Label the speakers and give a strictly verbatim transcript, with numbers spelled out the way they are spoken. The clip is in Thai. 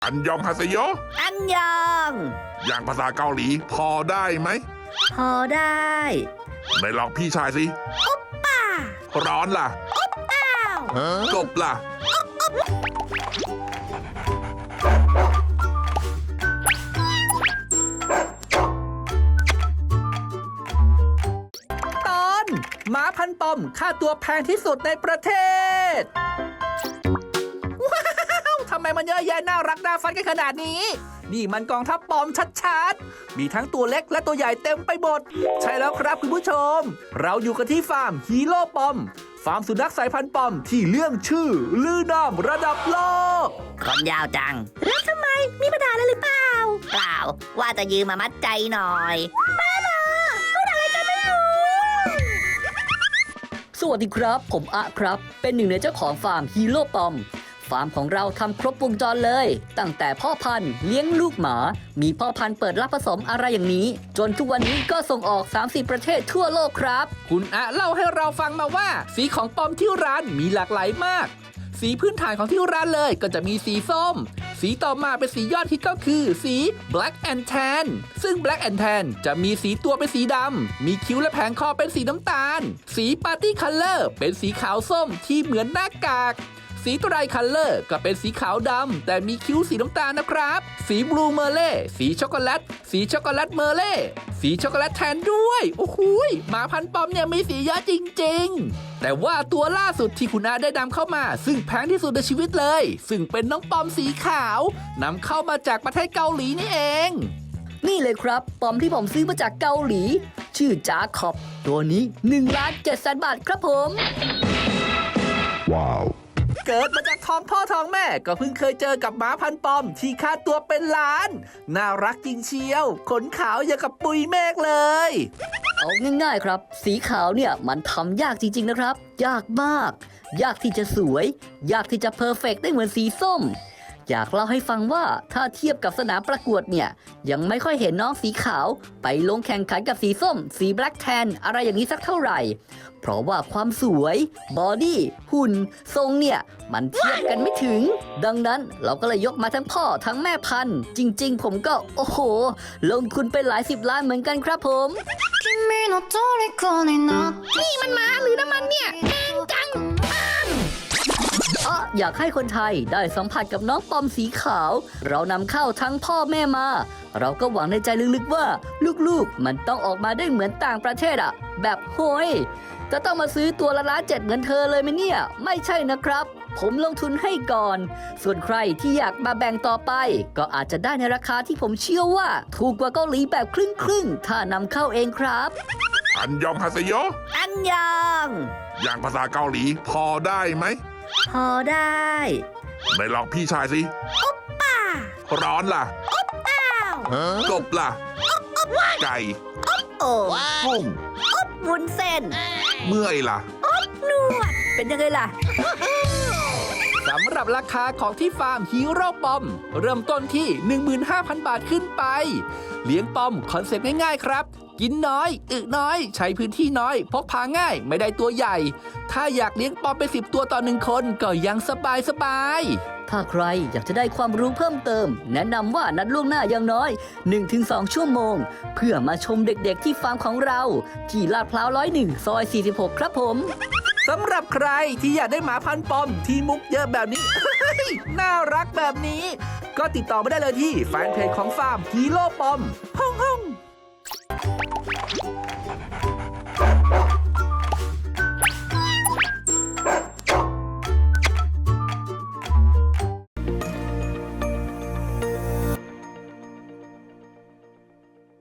Speaker 1: อันยองฮาเซโย
Speaker 2: อันยอง
Speaker 1: อย่างภาษาเกาหลีพอได้ไหม
Speaker 2: พอได้
Speaker 1: ไหนลองพี่ชายสิ
Speaker 2: อุ๊บป่า
Speaker 1: ร้อนล่ะ
Speaker 2: อุ๊บอ้าว
Speaker 1: กบล่ะ
Speaker 3: ตอนหมาพันปอมค่าตัวแพงที่สุดในประเทศว้าวทำไมมันเยอะแยะน่ารักน่าฟันกันขนาดนี้นี่มันกองทัพปอมชัดๆมีทั้งตัวเล็กและตัวใหญ่เต็มไปหมดใช่แล้วครับคุณผู้ชมเราอยู่กันที่ฟาร์มฮีโร่ปอมฟาร์มสุนัขสายพันธุ์ปอมที่เรื่องชื่อลือนามระดับโลก
Speaker 2: ขนยาวจังแล้วทำไมมีปัญหาอะไรหรือเปล่าเปล่าว่าจะยืมมามัดใจหน่อยบ้าเหรอพูดอะไรกันไม่รู้
Speaker 4: สวัสดีครับผมอะครับเป็นหนึ่งในเจ้าของฟาร์มฮีโร่ปอมฟาร์มของเราทำครบวงจรเลยตั้งแต่พ่อพันธุ์เลี้ยงลูกหมามีพ่อพันธุ์เปิดรับผสมอะไรอย่างนี้จนทุกวันนี้ก็ส่งออก สามสิบ ประเทศทั่วโลกครับ
Speaker 3: คุณอะเล่าให้เราฟังมาว่าสีของปอมที่ร้านมีหลากหลายมากสีพื้นฐานของที่ร้านเลยก็จะมีสีส้มสีต่อมาเป็นสียอดฮิตก็คือสี Black and Tan ซึ่ง Black and Tan จะมีสีตัวเป็นสีดำมีคิ้วและแผงคอเป็นสีน้ำตาลสี Party Color เป็นสีขาวส้มที่เหมือนหน้ากากสีไตรคัลเลอร์ก็เป็นสีขาวดำแต่มีคิ้วสีน้ำตาลนะครับสีบลูเมอร์เล่สีช็อกโกแลตสีช็อกโกแลตเมอร์เล่สีช็อกโกแลตแทนด้วยโอ้โหหมาพันปอมเนี่ยมีสีเยอะจริงๆแต่ว่าตัวล่าสุดที่คุณอาได้นำเข้ามาซึ่งแพงที่สุดในชีวิตเลยซึ่งเป็นน้องปอมสีขาวนำเข้ามาจากประเทศเกาหลีนี่เอง
Speaker 4: นี่เลยครับปอมที่ผมซื้อมาจากเกาหลีชื่อจาคอบตัวนี้หนึ่งล้านเจ็ดแสนบาทครับผม
Speaker 1: ว้าว
Speaker 3: เกิดมาจากท้องพ่อท้องแม่ก็เพิ่งเคยเจอกับหมาพันปอมที่ค่าตัวเป็นล้านน่ารักจริงเชียวขนขาวอย่างกับปุยเมฆเลย
Speaker 4: เอาง่ายๆครับสีขาวเนี่ยมันทำยากจริงๆนะครับยากมากยากที่จะสวยยากที่จะเพอร์เฟกต์ได้เหมือนสีส้มอยากเล่าให้ฟังว่าถ้าเทียบกับสนามประกวดเนี่ยยังไม่ค่อยเห็นน้องสีขาวไปลงแข่งขันกับสีส้มสีแบล็กแทนอะไรอย่างนี้สักเท่าไหร่เพราะว่าความสวยบอดี้หุ่นทรงเนี่ยมันเทียบกันไม่ถึงดังนั้นเราก็เลยยกมาทั้งพ่อทั้งแม่พันธุ์จริงๆผมก็โอ้โหลงทุนไปหลายสิบล้านเหมือนกันครับผม
Speaker 2: นี่มันม้าหรือน้ำมันเนี่ยแพงจัง
Speaker 4: อ๋ออยากให้คนไทยได้สัมผัสกับน้องปอมสีขาวเรานำเข้าทั้งพ่อแม่มาเราก็หวังในใจลึกๆว่าลูกๆมันต้องออกมาได้เหมือนต่างประเทศอะแบบโหยจะต้องมาซื้อตัวละล้านเจ็ดเหมือนเธอเลยไหมเนี่ยไม่ใช่นะครับผมลงทุนให้ก่อนส่วนใครที่อยากมาแบ่งต่อไปก็อาจจะได้ในราคาที่ผมเชื่อว่าถูกกว่าเกาหลีแบบครึ่งๆถ้านำเข้าเองครับ
Speaker 1: อันยองฮาเซโย
Speaker 2: อันยอง
Speaker 1: อย่างภาษาเกาหลีพอได้ไหม
Speaker 2: พอได้
Speaker 1: ไหนลองพี่ชายสิ
Speaker 2: อุ๊บป่า
Speaker 1: ร้อนล่ะ
Speaker 2: อุ๊บอ้าว
Speaker 1: กบล่ะไก่
Speaker 2: อุ๊บโอ่ง
Speaker 1: กุ้ง
Speaker 2: อุ๊บวุ้นเส้น
Speaker 1: เมื่อยล่ะ
Speaker 2: อุ๊บนวดเป็นยังไงล่ะ
Speaker 3: สำหรับราคาของที่ฟาร์มฮีโร่ปอมเริ่มต้นที่ หนึ่งหมื่นห้าพัน บาทขึ้นไปเลี้ยงปอมคอนเซ็ปต์ง่ายๆครับกินน้อยอึน้อยใช้พื้นที่น้อยพกพาง่ายไม่ได้ตัวใหญ่ถ้าอยากเลี้ยงปอมไปสิบตัวต่อหนึ่งคนก็ยังสบายสบาย
Speaker 4: ถ้าใครอยากจะได้ความรู้เพิ่มเติมแนะนำว่านัดล่วงหน้าอย่างน้อย หนึ่งถึงสอง ชั่วโมงเพื่อมาชมเด็กๆที่ฟาร์มของเราที่ลาดพร้าวร้อยหนึ่งซอยสี่สิบหกครับผม
Speaker 3: สำหรับใครที่อยากได้หมาพันปอมที่มุกเยอะแบบนี้ น่ารักแบบนี้ก็ติดต่อมาได้เลยที่แฟนเพจของฟาร์มฮีโร่ปอมฮ่องฮ่อง